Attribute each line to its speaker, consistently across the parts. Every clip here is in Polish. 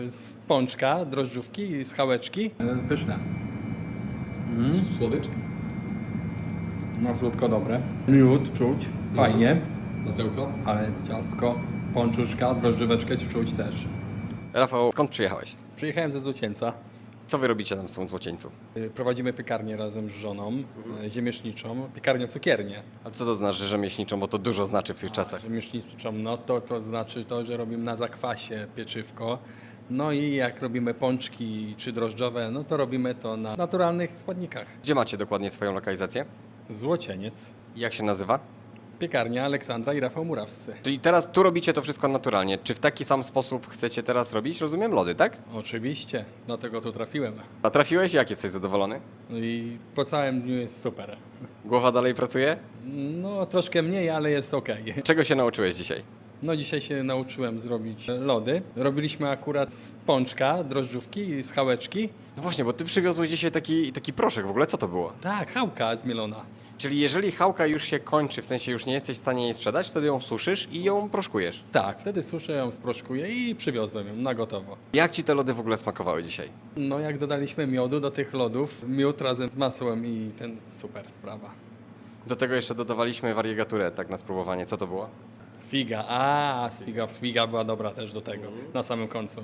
Speaker 1: Z pączka, drożdżówki, z chałeczki. Pyszne.
Speaker 2: Słodycz?
Speaker 1: No słodko dobre. Miód czuć, fajnie,
Speaker 2: Masełko?
Speaker 1: ale ciastko, pączuszka, drożdżóweczkę czuć też.
Speaker 3: Rafał, skąd przyjechałeś?
Speaker 1: Przyjechałem ze Złocieńca.
Speaker 3: Co wy robicie tam w tym Złocieńcu?
Speaker 1: Prowadzimy piekarnię razem z żoną, ziemieszniczą, piekarnię cukiernię.
Speaker 3: A co to znaczy rzemieślniczą, bo to dużo znaczy w tych czasach.
Speaker 1: Rzemieślniczą, no to znaczy to, że robimy na zakwasie pieczywko. No i jak robimy pączki czy drożdżowe, no to robimy to na naturalnych składnikach.
Speaker 3: Gdzie macie dokładnie swoją lokalizację?
Speaker 1: Złocieniec,
Speaker 3: Jak się nazywa?
Speaker 1: piekarnia Aleksandra i Rafał Murawscy.
Speaker 3: Czyli teraz tu robicie to wszystko naturalnie. Czy w taki sam sposób chcecie teraz robić? Rozumiem, lody, tak?
Speaker 1: Oczywiście, dlatego tu trafiłem.
Speaker 3: A trafiłeś? Jak jesteś zadowolony?
Speaker 1: No i po całym dniu jest super.
Speaker 3: Głowa dalej pracuje?
Speaker 1: No troszkę mniej, ale jest ok.
Speaker 3: Czego się nauczyłeś dzisiaj?
Speaker 1: No dzisiaj się nauczyłem zrobić lody. Robiliśmy akurat z pączka, drożdżówki, z chałeczki.
Speaker 3: No właśnie, bo ty przywiozłeś dzisiaj taki proszek. W ogóle co to było?
Speaker 1: Tak, chałka zmielona.
Speaker 3: Czyli jeżeli chałka już się kończy, w sensie już nie jesteś w stanie jej sprzedać, wtedy ją suszysz i ją proszkujesz.
Speaker 1: Tak, wtedy suszę ją, sproszkuję i przywiozłem ją na gotowo.
Speaker 3: Jak ci te lody w ogóle smakowały dzisiaj?
Speaker 1: No jak dodaliśmy miodu do tych lodów, miód razem z masłem i ten super sprawa.
Speaker 3: Do tego jeszcze dodawaliśmy wariegaturę, tak na spróbowanie. Co to było?
Speaker 1: Figa, figa była dobra też do tego, na samym końcu.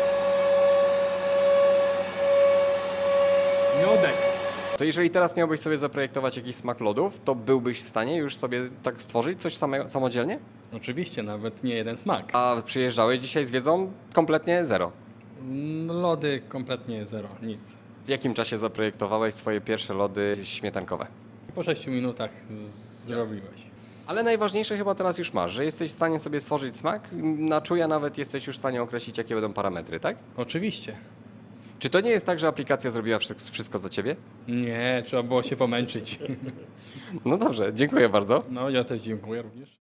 Speaker 1: Miodek.
Speaker 3: To jeżeli teraz miałbyś sobie zaprojektować jakiś smak lodów, to byłbyś w stanie już sobie tak stworzyć coś samodzielnie?
Speaker 1: Oczywiście, nawet nie jeden smak.
Speaker 3: A przyjeżdżałeś dzisiaj z wiedzą kompletnie zero.
Speaker 1: Lody kompletnie zero, nic.
Speaker 3: W jakim czasie zaprojektowałeś swoje pierwsze lody śmietankowe?
Speaker 1: Po 6 minutach zrobiłeś.
Speaker 3: Ale najważniejsze chyba teraz już masz, że jesteś w stanie sobie stworzyć smak, na czuja nawet jesteś już w stanie określić, jakie będą parametry, tak?
Speaker 1: Oczywiście.
Speaker 3: Czy to nie jest tak, że aplikacja zrobiła wszystko za ciebie?
Speaker 1: Nie, trzeba było się pomęczyć.
Speaker 3: No dobrze, dziękuję bardzo.
Speaker 1: No ja też dziękuję również.